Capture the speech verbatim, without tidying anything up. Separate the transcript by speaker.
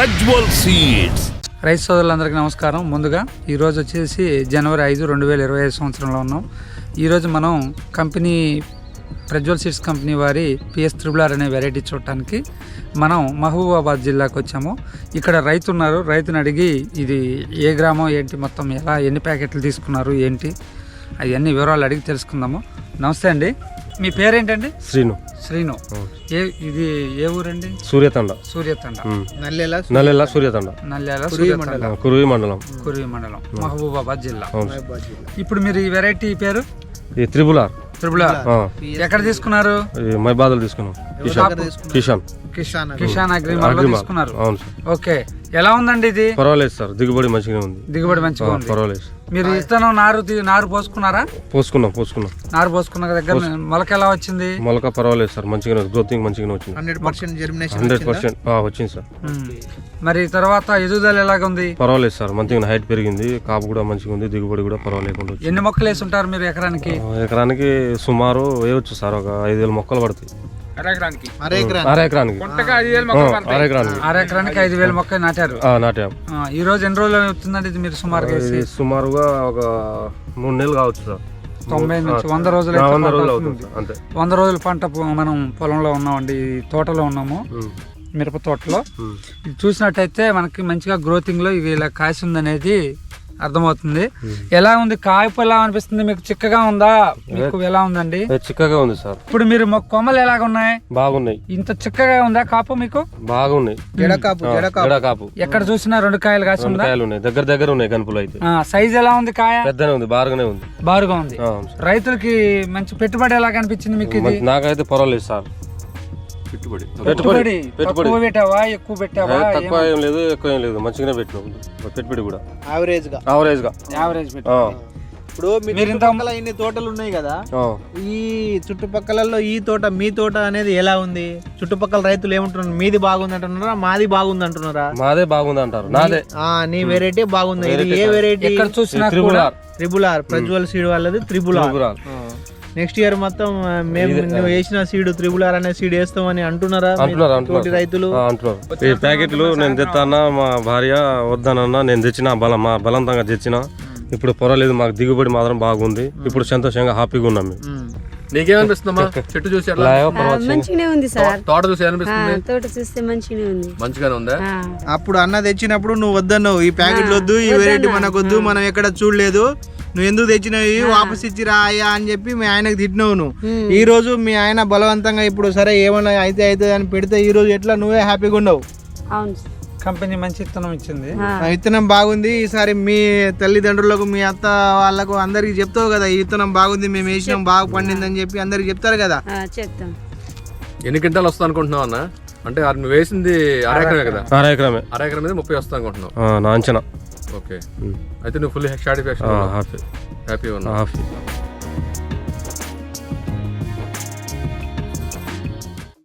Speaker 1: Prajwal seeds.
Speaker 2: రైతు సోదరులందరికీ నమస్కారం. ముందుగా ఈరోజు వచ్చేసి జనవరి ఐదు రెండు వేల ఇరవై ఐదు సంవత్సరంలో ఉన్నాం. ఈరోజు మనం కంపెనీ ప్రజ్వల్ సీడ్స్ కంపెనీ వారి పిఎస్ త్రిబుల్ ఆర్ అనే వెరైటీ చూడటానికి మనం మహబూబాబాద్ జిల్లాకు వచ్చాము. ఇక్కడ రైతు ఉన్నారు. రైతుని అడిగి ఇది ఏ గ్రామం ఏంటి, మొత్తం ఎలా ఎన్ని ప్యాకెట్లు తీసుకున్నారు ఏంటి, అవన్నీ వివరాలు అడిగి తెలుసుకుందాము. నమస్తే అండి, మీ పేరేంటండి?
Speaker 3: శ్రీను.
Speaker 2: శ్రీను. ఏ ఇది ఏ ఊరండి?
Speaker 3: సూర్యతండ.
Speaker 2: సూర్యతండ.
Speaker 3: నల్లెల నల్లెల సూర్యతండ.
Speaker 2: నల్లెల
Speaker 3: కురువి మండలం.
Speaker 2: కురువి మండలం మహబూబాబాద్ జిల్లా. ఇప్పుడు మీరు ఈ వెరైటీ పేరు
Speaker 3: ఈ త్రిబుల్ ఆర్.
Speaker 2: త్రిబుల్ ఆర్ ఎక్కడ తీసుకున్నారు?
Speaker 3: మైబాదలు తీసుకున్నాం. కిషాన్
Speaker 2: కిషాన్ కిషాన్ అగ్రిమాల్ లో తీసుకున్నారు.
Speaker 3: అవును సార్.
Speaker 2: ఓకే, ఎలా ఉందండి ఇది?
Speaker 3: పర్వాలేదు సార్, దిగుబడి మంచిగా ఉంది.
Speaker 2: దిగుబడి మంచిగా ఉంది,
Speaker 3: పర్వాలేదు.
Speaker 2: మీరు ఇత్తనం నారు నారు పోసుకున్నారా?
Speaker 3: పోసుకున్నాం పోసుకున్నాం
Speaker 2: నారు పోసుకున్న దగ్గర మొలక ఎలా వచ్చింది?
Speaker 3: మొలక పర్వాలేదు సార్, మంచిగా గ్రోతింగ్ మంచిగా వచ్చింది.
Speaker 2: హండ్రెడ్ పర్సెంట్
Speaker 3: హండ్రెడ్ పర్సెంట్ వచ్చింది సార్.
Speaker 2: మరి తర్వాత ఎదుగుదల ఎలాగ ఉంది?
Speaker 3: పర్వాలేదు సార్, మంచిగా హైట్ పెరిగింది, కాపు కూడా మంచిగా ఉంది, దిగుబడి కూడా పర్వాలేకుండా.
Speaker 2: ఎన్ని మొక్కలు వేసి ఉంటారు మీరు ఎకరానికి?
Speaker 3: ఎకరానికి సుమారు వేయవచ్చు సార్, ఒక ఐదు వేల మొక్కలు పడతాయి.
Speaker 2: అరెకరానికి
Speaker 3: అర ఎకరానికి
Speaker 2: అర ఎకరానికి ఐదు వేల మొక్కలు నాటారు.
Speaker 3: నాటాం.
Speaker 2: ఈ రోజు ఎన్ని రోజులు అవుతుందండి ఇది మీరు సుమారుగా?
Speaker 3: సుమారుగా ఒక మూడు నెలలు కావచ్చు సార్.
Speaker 2: తొంభై నుంచి వంద రోజులు
Speaker 3: వంద రోజులు అవుతుంది అంతే.
Speaker 2: వంద రోజుల పంట మనం పొలంలో ఉన్నామండి, తోటలో ఉన్నాము, మిరప తోటలో. ఇది చూసినట్టయితే మనకి మంచిగా గ్రోతింగ్ లో ఇది ఇలా కాసి ఉందనేది అర్థమవుతుంది. ఎలా ఉంది కాయపు? ఎలా అనిపిస్తుంది మీకు? చిక్కగా ఉందా? మీకు ఎలా ఉందండి?
Speaker 3: చిక్కగా ఉంది సార్.
Speaker 2: ఇప్పుడు మీరు కొమ్మలు ఎలాగ ఉన్నాయి?
Speaker 3: బాగున్నాయి.
Speaker 2: ఇంత చిక్కగా ఉందా కాపు మీకు?
Speaker 3: బాగున్నాయి.
Speaker 2: కాపు ఎక్కడ చూసినా రెండు కాయలు కాసి ఉందా?
Speaker 3: కాయలు ఉన్నాయి, దగ్గర దగ్గర ఉన్నాయి కనుపులు. అయితే
Speaker 2: సైజ్ ఎలా ఉంది? కాయ
Speaker 3: పెద్దనే ఉంది, బారుగానే ఉంది.
Speaker 2: బారుగా ఉంది. రైతులకి మంచి పెట్టుబడి ఎలా కనిపించింది మీకు ఇది?
Speaker 3: నాకైతే పర్వాలేదు సార్.
Speaker 2: పెట్టుబడి పెట్టుబడి తక్కువ పెట్టావా ఎక్కువ పెట్టావా?
Speaker 3: తక్కువ ఏం లేదు, ఎక్కువ ఏం లేదు, మంచిగానే పెట్టినాం. పెట్టుబడి కూడా
Speaker 2: యావరేజ్ గా
Speaker 3: యావరేజ్ గా
Speaker 2: యావరేజ్
Speaker 4: ఇప్పుడు మీరు చుట్టుపక్కల ఇన్ని తోటలు ఉన్నాయి కదా, ఈ చుట్టుపక్కలలో ఈ తోట మీ తోట అనేది ఎలా ఉంది? చుట్టుపక్కల రైతులు ఏమంటున్నారు? మీది బాగుంది అంటున్నారా, మాది బాగుంది అంటున్నారా?
Speaker 3: మాదే బాగుంది అంటారు. నాదే
Speaker 4: నీ వెరైటీ బాగుంది. ఇది ఏ వెరైటీ?
Speaker 2: ఎక్కడ చూసినా
Speaker 4: triple R. Triple R Prajwal seed వాళ్ళది త్రిబుల్ ఆర్. నెక్స్ట్ ఇయర్ మొత్తం మేము నువ్వు వేసిన సీడ్ త్రిబుల్ ఆర్ అనే సీడ్ వేస్తామని అంటున్నారా రైతులు?
Speaker 3: అంటున్నారు. ఈ ప్యాకెట్లు నేను తెస్తానా, మా భార్య వద్దానన్నా, నేను తెచ్చిన బలం బలవంతంగా తెచ్చిన. ఇప్పుడు పర్వాలేదు, మాకు దిగుబడి మాత్రం బాగుంది. ఇప్పుడు సంతోషంగా హ్యాపీగా ఉన్నాం మేము.
Speaker 5: నీకేమనిపిస్తుందమ్మా చెట్టు చూసి?
Speaker 6: మంచిగానే ఉంది సార్.
Speaker 5: తోట చూసి అనిపిస్తుంది?
Speaker 6: తోట చూస్తే మంచిగానే ఉంది.
Speaker 5: మంచిగానే ఉందా?
Speaker 4: అప్పుడు అన్న తెచ్చినప్పుడు నువ్వు వద్దన్నావు, ఈ ప్యాకెట్లు వద్దు, ఈ వెరైటీ మనకు వద్దు, మనం ఎక్కడ చూడలేదు, నువ్వు ఎందుకు తెచ్చినావు, వాపస్ ఇచ్చి రాయా అని చెప్పి మీ ఆయనకు తిట్టినావు నువ్వు. ఈ రోజు మీ ఆయన బలవంతంగా ఇప్పుడు సరే ఏమన్నా అయితే అయితే అని పెడితే ఈ రోజు ఎట్లా నువ్వే హ్యాపీగా ఉండవు?
Speaker 2: కంపెనీ మంచి విత్తనం ఇచ్చింది,
Speaker 4: విత్తనం బాగుంది. ఈసారి మీ తల్లిదండ్రులకు, మీ అత్త వాళ్ళకు అందరికి చెప్తావు కదా, ఈ విత్తనం బాగుంది, మేము వేసినాం, బాగా పండింది అని చెప్పి అందరికి చెప్తారు కదా.
Speaker 5: ఎన్ని క్వింటాలు వస్తా అనుకుంటున్నావు అన్న? అంటే నువ్వు వేసింది అరెకరమే కదా?
Speaker 3: అరెకరమే.
Speaker 5: అరెకరం మీద ముప్పై వస్తా అనుకుంటున్నావు
Speaker 3: నా అంచనా.
Speaker 5: ఓకే, అయితే నువ్వు ఫుల్ సాటిస్ఫాక్షన్, హ్యాపీ హ్యాపీ ఉన్నా?
Speaker 3: హ్యాపీ.